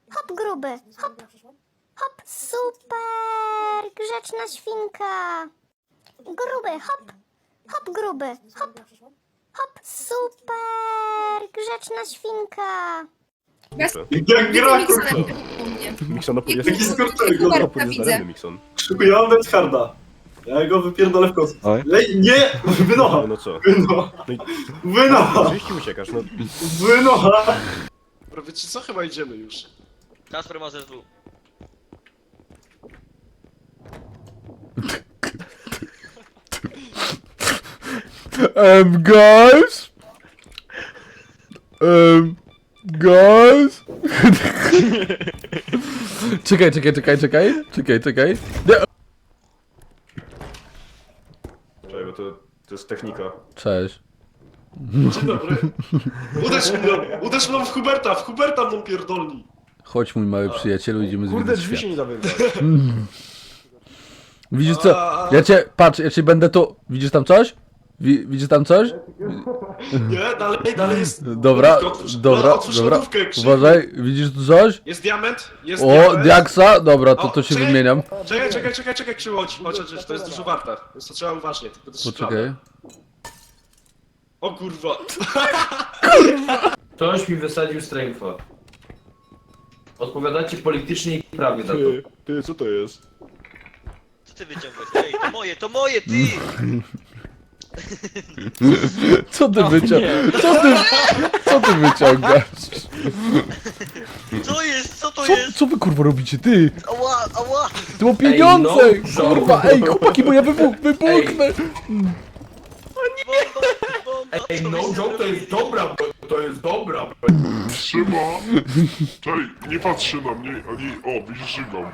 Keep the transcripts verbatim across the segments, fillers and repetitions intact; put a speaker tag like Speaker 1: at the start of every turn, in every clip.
Speaker 1: Hop, gruby, hop, hop, super, grzeczna świnka. Gruby, hop, hop, gruby, hop, hop, super, grzeczna świnka.
Speaker 2: Jak gra, kurwa.
Speaker 3: Mikson, opór jest...
Speaker 2: Jaki skurczyk, go
Speaker 3: Opór jest daremny, Mikson.
Speaker 2: Szykuję, mam Harda. Ja go wypierdolę w kosmos.
Speaker 3: Oj.
Speaker 2: Lej, nie! Wynocha!
Speaker 3: No co?
Speaker 2: Wynocha!
Speaker 3: No i...
Speaker 2: Wynocha!
Speaker 3: Oczywiście uciekasz, no.
Speaker 2: Wynocha!
Speaker 4: Prawie czy co? Chyba idziemy już.
Speaker 5: Kasper ma Z W.
Speaker 6: Um, guys? Um, guys? Czekaj, czekaj, czekaj, czekaj, czekaj, czekaj. Nie.
Speaker 3: Czekaj, bo to, to jest technika.
Speaker 6: Cześć.
Speaker 4: Dzień dobry. Uderz mną! Uderz mną w Huberta! W Huberta mną pierdolni!
Speaker 6: Chodź, mój mały przyjacielu, idziemy
Speaker 3: Kurde,
Speaker 6: zwiedzić
Speaker 3: drzwi
Speaker 6: świat.
Speaker 3: się nie da wygrać.
Speaker 6: Widzisz co? Ja cię, patrz, ja cię będę tu... Widzisz tam coś? Wi widzisz tam coś?
Speaker 4: Nie, dalej, dalej jest...
Speaker 6: Dobra,
Speaker 4: Lodówkę otwórz.
Speaker 6: dobra,
Speaker 4: No, otwórz
Speaker 6: dobra.
Speaker 4: lodówkę, krzyk.
Speaker 6: Uważaj, widzisz tu coś?
Speaker 4: Jest diament, jest
Speaker 6: O,
Speaker 4: diament.
Speaker 6: diaksa? Dobra, to
Speaker 4: O,
Speaker 6: to się
Speaker 4: czekaj.
Speaker 6: wymieniam.
Speaker 4: Czekaj, czekaj, czekaj, czekaj, Krzywo, chodź, chodź, chodź, to jest dużo warte. Więc to trzeba uważnie, tylko to jest
Speaker 6: Poczekaj.
Speaker 4: O kurwa.
Speaker 7: Ktoś mi wysadził strengtha. Odpowiadacie politycznie i prawie za to.
Speaker 3: Ty, ty, co to jest?
Speaker 5: Co ty wyciągłeś? Ej, to moje, to moje, ty!
Speaker 6: Co ty wyciągasz? Co ty, co ty wyciągasz?
Speaker 5: Co jest? Co to
Speaker 6: Co,
Speaker 5: jest?
Speaker 6: co wy kurwa robicie, ty?
Speaker 5: Ała, ała!
Speaker 6: Ty mam pieniądze!
Speaker 7: Ej, no,
Speaker 6: Kurwa, ej, chłopaki, bo ja wybuch, wybuchnę!
Speaker 5: Bomba, bomba!
Speaker 7: Ej, no joke to jest dobra, bro, to jest dobra. bro.
Speaker 8: Trzyma! Czekaj, nie patrzy na mnie, ani... O, widzisz, żygam.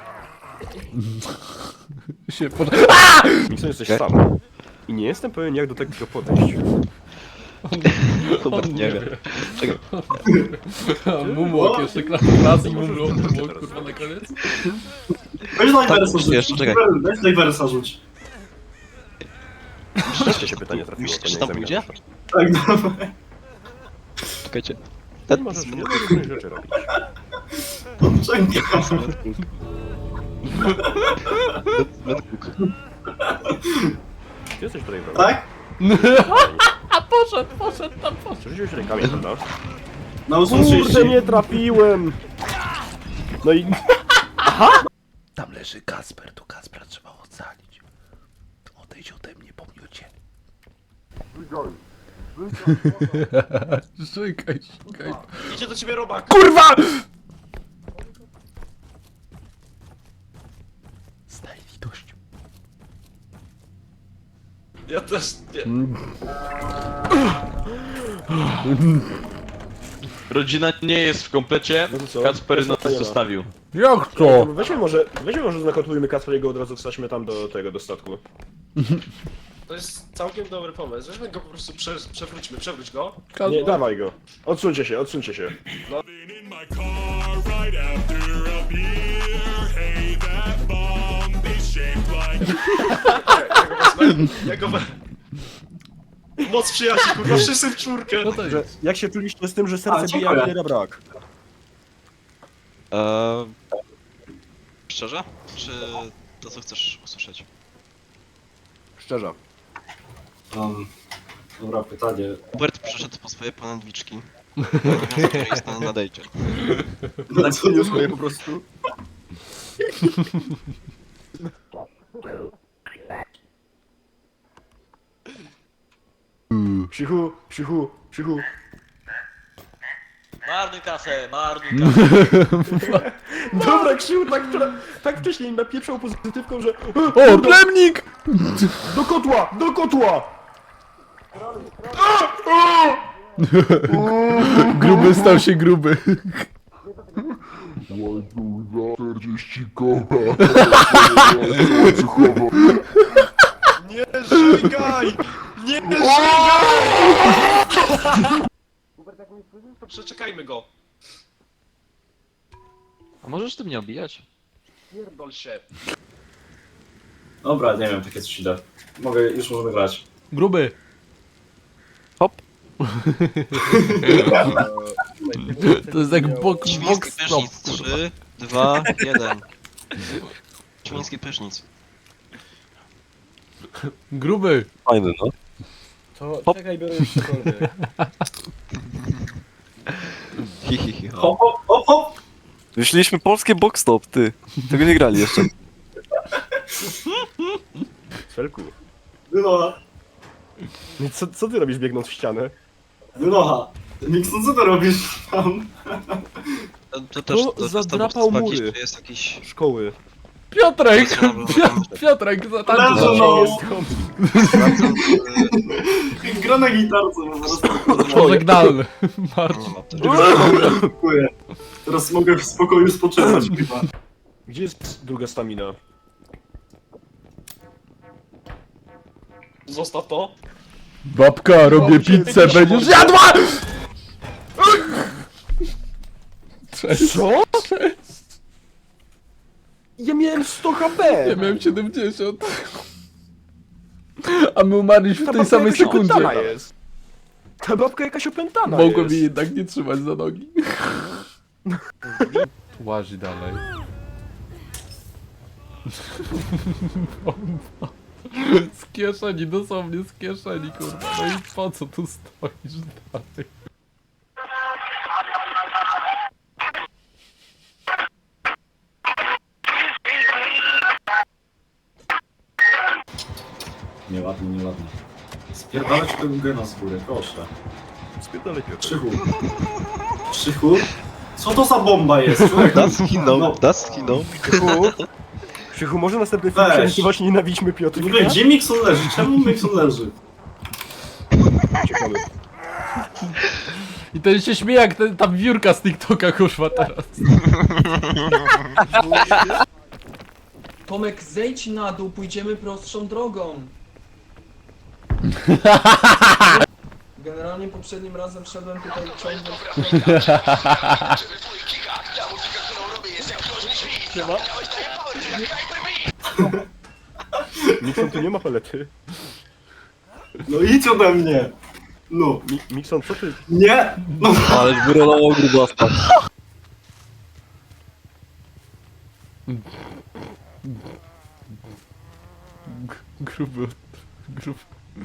Speaker 6: Się pod...
Speaker 3: Mikson, jesteś sam. I nie jestem pewien, jak do tego podejść.
Speaker 6: Hubert nie wie. Czekaj. Mumłok jeszcze, klas, klas i mumłok, mumłok, kurwa, na koniec.
Speaker 2: Weź Diversa rzuć.
Speaker 9: jeszcze, czekaj.
Speaker 2: Weź Diversa rzuć.
Speaker 3: Wreszcie się pytanie trafiło,
Speaker 9: Myślisz,
Speaker 3: to nie
Speaker 9: że tam
Speaker 3: egzaminarz.
Speaker 2: Tak, dawaj.
Speaker 9: Czekajcie.
Speaker 3: Nie możesz nie możesz różnych rzeczy robić.
Speaker 2: Czekaj.
Speaker 3: Ty jesteś tutaj, prawda?
Speaker 2: Tak?
Speaker 6: A poszedł, poszedł tam, poszedł.
Speaker 3: Przerzuciłeś rękami, prawda?
Speaker 2: Na ósmą
Speaker 3: Kurde,
Speaker 2: trzydzieści.
Speaker 3: nie trafiłem! No i...
Speaker 6: Tam leży Kasper, tu Kaspra trzeba ocalić. Odejdź ode mnie, pomiocie. Czekaj, czekaj.
Speaker 4: Idzie do ciebie robak.
Speaker 6: Kurwa! Znaj litość.
Speaker 4: Ja też nie.
Speaker 9: Rodzina nie jest w komplecie,
Speaker 3: No to co?
Speaker 9: Kacper nas
Speaker 3: Kacpera.
Speaker 9: zostawił.
Speaker 6: Jak to?
Speaker 3: Weźmy może, weźmy może znakotujmy Kacpra i go od razu wstaćmy tam do tego, do statku.
Speaker 4: To jest całkiem dobry pomysł. Weźmy go po prostu, prze, przewróćmy, przewróć go.
Speaker 3: Nie, dawaj go. Odsuńcie się, odsuńcie się.
Speaker 8: In my car right after a beer. Hey, that bomb is shaped like...
Speaker 4: Ja go wezmę, ja go wezmę. Moc przyjaciół, kurwa, wszyscy w czwórkę.
Speaker 6: No to
Speaker 3: Że,
Speaker 6: jest.
Speaker 3: jak się czuliście z tym, że
Speaker 2: A,
Speaker 3: serce bije,
Speaker 2: dziękuję.
Speaker 3: a nie brak?
Speaker 9: Eee... Szczerze? Czy to co chcesz usłyszeć?
Speaker 3: Szczerze.
Speaker 2: Um, dobra, pytanie.
Speaker 9: Hubert przyszedł po swoje ponadliczki. Obowiązek, który jest na nadejście.
Speaker 2: Na co nie
Speaker 3: Swoje po prostu. Krzychu, krzychu, krzychu.
Speaker 5: Marnuj kasę, marnuj kasę.
Speaker 3: Dobra, Krzychu tak, wczoraj- tak wcześniej napieprzał pozytywką, że...
Speaker 6: O, plemnik!
Speaker 3: Do kotła, do kotła!
Speaker 6: Gruby stał się gruby.
Speaker 8: czterdzieści koła.
Speaker 4: Nie żygaj! Nie żygaj! Hubert, jak mi wpłynie, to przeczekajmy go.
Speaker 9: A możesz ty mnie obijać?
Speaker 4: Pierdol się.
Speaker 2: Dobra, nie wiem, takie coś idę. Mogę, już możemy grać.
Speaker 6: Gruby. To jest jak bok,
Speaker 9: Świński
Speaker 6: bok stop.
Speaker 9: prysznic. trzy, dwa, jeden. Świński prysznic.
Speaker 6: Gruby.
Speaker 3: Fajny, no.
Speaker 2: To czekaj, biorę już cokolwiek.
Speaker 3: Hi, hi, hi.
Speaker 2: Hop, hop, hop, hop!
Speaker 3: Wyszliśmy polskie box stop, ty. Tego nie grali jeszcze.
Speaker 2: Felku. Wynocha,
Speaker 3: No i co, co ty robisz biegnąc w ścianę?
Speaker 2: wynocha. Mixon, co ty robisz tam?
Speaker 9: To, to też,
Speaker 3: No,
Speaker 9: to, to
Speaker 3: zadrapał
Speaker 9: jest
Speaker 3: mury.
Speaker 9: jakiś, czy jest jakiś...
Speaker 3: Szkoły.
Speaker 6: Piotrek!
Speaker 9: Sprawdzam,
Speaker 6: Pio- Piotrek, zatańczył
Speaker 2: Leżą,
Speaker 6: za
Speaker 2: no.
Speaker 6: mną.
Speaker 9: Sprawdzam,
Speaker 2: Gra na gitarce po prostu.
Speaker 6: Pożegnalny. Marcin.
Speaker 9: nie ma to.
Speaker 2: Dziękuję. Teraz mogę w spokoju spoczywać chyba.
Speaker 3: Gdzie jest druga stamina?
Speaker 4: Zostaw to.
Speaker 6: Babka, robię pizzę, będziesz jadła! Cześć.
Speaker 3: Co? Ja miałem sto HP!
Speaker 6: Ja miałem siedemdziesiąt. A my umarliśmy w
Speaker 3: Ta
Speaker 6: tej
Speaker 3: babka
Speaker 6: samej
Speaker 3: jakaś
Speaker 6: sekundzie.
Speaker 3: opętana jest. Ta babka jakaś opętana
Speaker 6: Mogłem
Speaker 3: jest.
Speaker 6: jej jednak nie trzymać za nogi. Łazi dalej. Bomba. Z kieszeni, dosłownie z kieszeni, kurwa. No i po co tu stoisz dalej?
Speaker 2: Nieładnie, nieładnie. Spierdalać tego gena z góry, proszę.
Speaker 3: Spierdolę Piotr.
Speaker 2: Krzychu. Krzychu? Co to za bomba jest? Człowiek?
Speaker 9: Das skinął,
Speaker 2: No.
Speaker 9: das skinął.
Speaker 3: Krzychu, Krzychu, może następny film
Speaker 2: Weź.
Speaker 3: przerysować nienawidźmy Piotrka?
Speaker 2: W ogóle, gdzie Mixon leży? Czemu Mixon leży?
Speaker 3: Ciekawe.
Speaker 6: I ten się śmieje jak ten, ta wiórka z TikToka, kurwa, teraz.
Speaker 10: Tomek, zejdź na dół, pójdziemy prostszą drogą. Generalnie poprzednim razem szedłem tutaj ciągnąć...
Speaker 3: Mikson tu nie ma palety.
Speaker 2: No idź ode mnie! No.
Speaker 3: Mi Mikson, co ty?
Speaker 2: Nie! No.
Speaker 3: Ale wyrolował grubasta.
Speaker 6: Gruby. Gruby.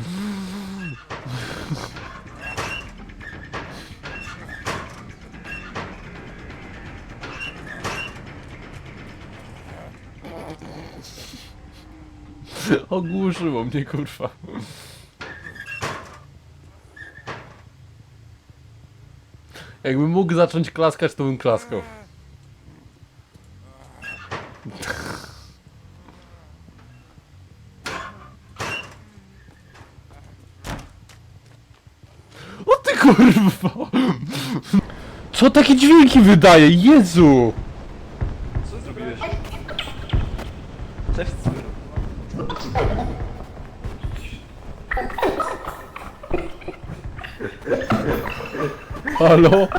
Speaker 6: Ogłuszyło mnie, kurwa. Jakbym mógł zacząć klaskać, to bym klaskał. O ty kurwa! Co takie dźwięki wydaje? Jezu!
Speaker 3: Co zrobiłeś?
Speaker 6: Cześć. Halo?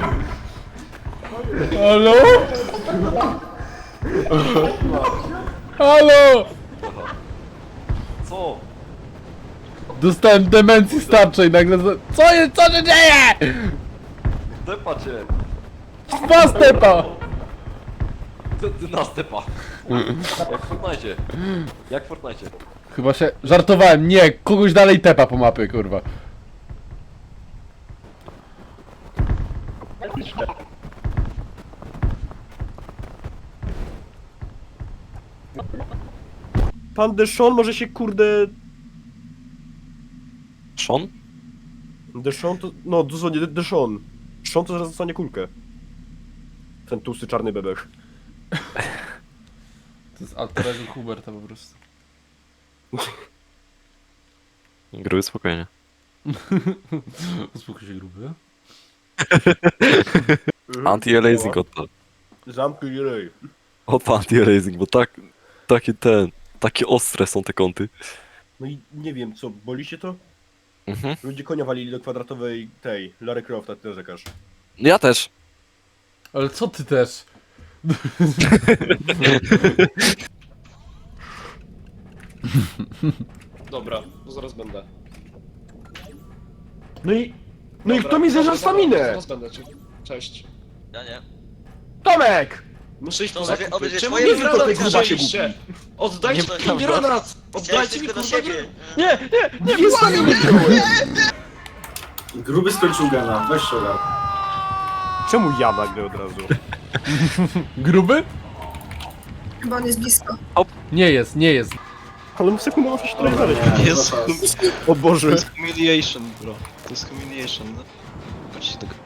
Speaker 6: Halo? Halo?
Speaker 3: Co?
Speaker 6: Dostałem demencji starczej nagle za... Co jest? Co się dzieje?
Speaker 3: Stepa cię.
Speaker 6: Dwa stepa!
Speaker 3: Co ty na stepa? Jak w Fortnite. Jak w Fortnite.
Speaker 6: Chyba się... Żartowałem, nie! Kogoś dalej tepa po mapie, kurwa.
Speaker 3: Pan Deshon może się kurde...
Speaker 9: Sean?
Speaker 3: Deshon to... No, dosłownie Deshon. Deshon to zaraz dostanie kulkę. Ten tłusty czarny bebech.
Speaker 6: To jest alterego Huberta po prostu.
Speaker 9: Gruby spokojnie.
Speaker 6: Uspokój się, gruby.
Speaker 9: Anti-aliasing odpal.
Speaker 3: Zamknij rej.
Speaker 9: Odpal anti-aliasing, bo tak... Taki ten... Takie ostre są te kąty.
Speaker 3: No i nie wiem, co, boli się to?
Speaker 9: Mhm.
Speaker 3: Ludzie konia walili do kwadratowej tej, Lara Crofta, ty narzekasz.
Speaker 9: Ja też.
Speaker 6: Ale co ty też?
Speaker 4: Dobra, to zaraz będę.
Speaker 3: No i... No i
Speaker 4: Dobra,
Speaker 3: kto mi zerza
Speaker 4: dobra,
Speaker 3: staminę?
Speaker 4: Zaraz będę, cie- Cześć.
Speaker 5: Ja nie.
Speaker 3: Tomek!
Speaker 4: Muszę iść
Speaker 5: To
Speaker 4: po
Speaker 5: obie-
Speaker 4: zakupy.
Speaker 5: obie-
Speaker 4: Czemu
Speaker 5: twoje
Speaker 4: nie
Speaker 5: wrona
Speaker 4: granat
Speaker 5: tylko
Speaker 4: wzięliście? Oddajcie
Speaker 5: Nie,
Speaker 4: mi granat!
Speaker 5: Chciałeś
Speaker 4: Oddajcie mi
Speaker 5: tylko do
Speaker 4: kurwa
Speaker 5: siebie.
Speaker 4: granat!
Speaker 3: Nie, nie, nie, wysłanie mnie!
Speaker 2: Gruby skończył gena, weź się ogarnij.
Speaker 3: Czemu ja nagle od razu?
Speaker 6: Gruby?
Speaker 11: Chyba on jest blisko.
Speaker 6: Nie jest, nie jest.
Speaker 3: Ale w sekundę muszę się tutaj
Speaker 2: Dobra,
Speaker 3: znaleźć.
Speaker 2: nie,
Speaker 9: Jest,
Speaker 2: zaraz.
Speaker 3: O Boże.
Speaker 9: to jest humiliation, bro. To jest humiliation, no. Chodźcie tego.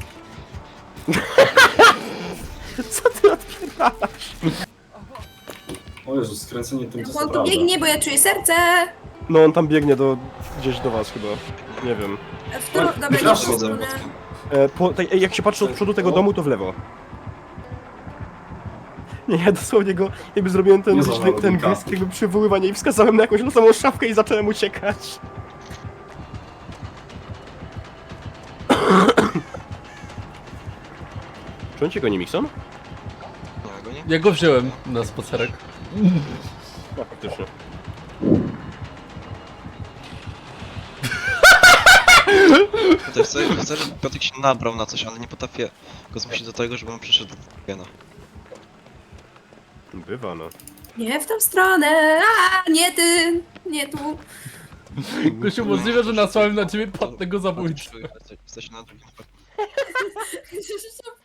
Speaker 3: Co ty odpierdalasz?
Speaker 2: O Jezu, skręcenie tym, co
Speaker 11: On tu
Speaker 2: prawda.
Speaker 11: biegnie, bo ja czuję serce.
Speaker 3: No on tam biegnie do... gdzieś do was chyba. Nie wiem.
Speaker 11: W którą... Dobra, nie w
Speaker 2: Przepraszam,
Speaker 11: tą stronę.
Speaker 3: E, po, tej, jak się patrzy od przodu tego domu, to w lewo. Nie, ja dosłownie go, jakby zrobiłem ten,
Speaker 2: Nie
Speaker 3: ten,
Speaker 2: zawalał
Speaker 3: ten
Speaker 2: wilka.
Speaker 3: gest, jakby przywoływania i wskazałem na jakąś losową szafkę i zacząłem uciekać. Czy on cię goni, Mixon?
Speaker 9: Nie, go nie?
Speaker 6: Ja go wziąłem na spacerek.
Speaker 3: No, faktycznie.
Speaker 9: Tutaj chcę, chcę, żeby Piotrek się nabrał na coś, ale nie potrafię go zmusić do tego, żeby on przyszedł do gena.
Speaker 3: Bywa, no.
Speaker 11: Nie w tą stronę. A, nie ty. Nie tu.
Speaker 6: Gosiu, możliwe, że nasłałem na ciebie płatnego zabójcę.
Speaker 9: Jesteś na drugim.
Speaker 11: Żebyś tam